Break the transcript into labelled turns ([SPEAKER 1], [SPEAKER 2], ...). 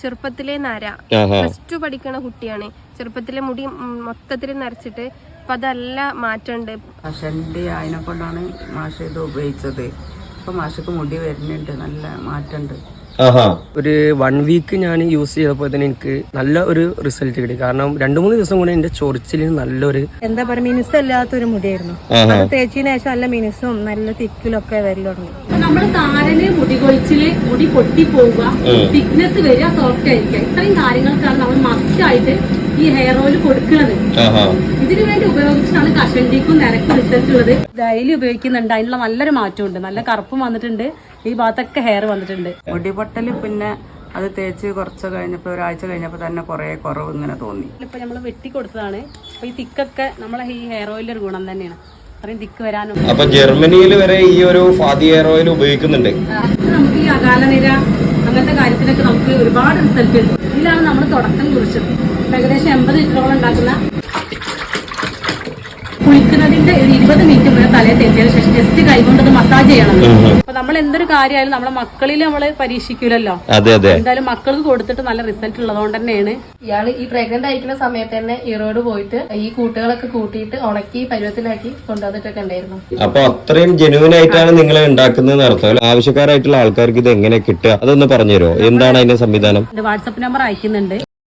[SPEAKER 1] ചെറുപ്പത്തിലെ നര. +2 പഠിക്കണ കുട്ടിയാണ്. ചെറുപ്പത്തിലെ മുടി മൊത്തത്തിൽ നരച്ചിട്ട് അപ്പൊ അതല്ല മാറ്റമുണ്ട്.
[SPEAKER 2] കഷണ്ടി അതിനെ കൊണ്ടാണ് മാഷ് ഇത് ഉപയോഗിച്ചത്. ഇപ്പൊ മാഷക്ക് മുടി വരുന്നുണ്ട്, നല്ല മാറ്റമുണ്ട്.
[SPEAKER 3] ഒരു 1 വീക്ക് ഞാൻ യൂസ് ചെയ്തപ്പോൾ തന്നെ എനിക്ക് നല്ല ഒരു റിസൾട്ട് കിട്ടി. കാരണം 2-3 ദിവസം കൂടെ എന്റെ ചൊറിച്ചിലിന് നല്ലൊരു
[SPEAKER 4] എന്താ പറയുക, മിനുസല്ലാത്തൊരു മുടിയായിരുന്നു. അത് തേച്ചതിന് ശേഷം നല്ല മിനുസും നല്ല തിക്കിലൊക്കെ വരൽ തുടങ്ങി.
[SPEAKER 5] നമ്മള് താരന് മുടി കൊഴിച്ചില്, മുടി പൊട്ടി പോവുക, തിക്നെസ് വരിക, സോഫ്റ്റ് ആയിരിക്കുക, ഇത്രയും കാര്യങ്ങൾക്കാണ് നമ്മൾ മസ്റ്റ് ആയിട്ട് ഈ ഹെയർ ഓയിൽ കൊടുക്കുന്നത്. ഇതിനു വേണ്ടി ഉപയോഗിച്ചിട്ടാണ് കഷണ്ടിക്കും നിരക്കും റിസൾട്ട് ഉള്ളത്. ഡെയിലി ഉപയോഗിക്കുന്നുണ്ട്, അതിനുള്ള നല്ലൊരു മാറ്റമുണ്ട്. നല്ല കറുപ്പും വന്നിട്ടുണ്ട്, ഈ ഭാഗത്തൊക്കെ ഹെയർ വന്നിട്ടുണ്ട്.
[SPEAKER 2] മുടിപൊട്ടല് പിന്നെ അത് തേച്ച് കുറച്ച് കഴിഞ്ഞപ്പോ, ഒരാഴ്ച കഴിഞ്ഞപ്പോ തന്നെ കുറെ കുറവ് ഇങ്ങനെ തോന്നി.
[SPEAKER 5] ഇപ്പൊ നമ്മള് വെട്ടി കൊടുത്തതാണ്. അപ്പൊ ഈ തിക്കൊക്കെ നമ്മളെ ഈ ഹെയർ ഓയിലിന്റെ ഒരു ഗുണം തന്നെയാണ്, അത്രയും തിക്ക് വരാനും.
[SPEAKER 6] അപ്പൊ ജർമ്മനിയിൽ വരെ ഈ ഒരു ഫാദി ഹെയർ ഓയിൽ ഉപയോഗിക്കുന്നുണ്ട്.
[SPEAKER 5] നമുക്ക് ഈ അകാലനിര അങ്ങനത്തെ കാര്യത്തിനൊക്കെ നമുക്ക് ഒരുപാട് റിസൾട്ട് ഉണ്ട്. ഇതിലാണ് നമ്മൾ തുടക്കം കുറിച്ചത്. ഏകദേശം 80 ലിറ്ററോളം ഉണ്ടാക്കുന്ന കുളിക്കുന്നതിന്റെ ഒരു 20 മിനിറ്റ് മുന്നേ തലയെ തേച്ചതിന് ശേഷം ജസ്റ്റ് കൈകൊണ്ടത് മസാജ് ചെയ്യണം. അപ്പൊ നമ്മൾ എന്തൊരു കാര്യമായാലും നമ്മളെ മക്കളിൽ നമ്മള് പരീക്ഷിക്കൂലല്ലോ. എന്തായാലും മക്കൾക്ക് കൊടുത്തിട്ട് നല്ല റിസൾട്ട് ഉള്ളതുകൊണ്ട് തന്നെയാണ്.
[SPEAKER 1] ഇയാള് ഈ പ്രഗ്നന്റ് ആയിരിക്കുന്ന സമയത്ത് തന്നെ ഈറോഡ് പോയിട്ട് ഈ കൂട്ടുകളൊക്കെ കൂട്ടിയിട്ട് ഉണക്കി പരുവത്തിലാക്കി കൊണ്ടുവന്നിട്ടൊക്കെ ഉണ്ടായിരുന്നു.
[SPEAKER 6] അപ്പൊ അത്രയും ജെന്യൂൻ ആയിട്ടാണ് നിങ്ങൾ ഉണ്ടാക്കുന്നത് അർത്ഥം. ആവശ്യക്കാരായിട്ടുള്ള ആൾക്കാർക്ക് ഇത് എങ്ങനെ കിട്ടുക അതൊന്ന് പറഞ്ഞുതരുമോ? എന്താണ് അതിന്റെ സംവിധാനം?
[SPEAKER 5] വാട്സ്ആപ്പ് നമ്പർ അയക്കുന്നുണ്ട്.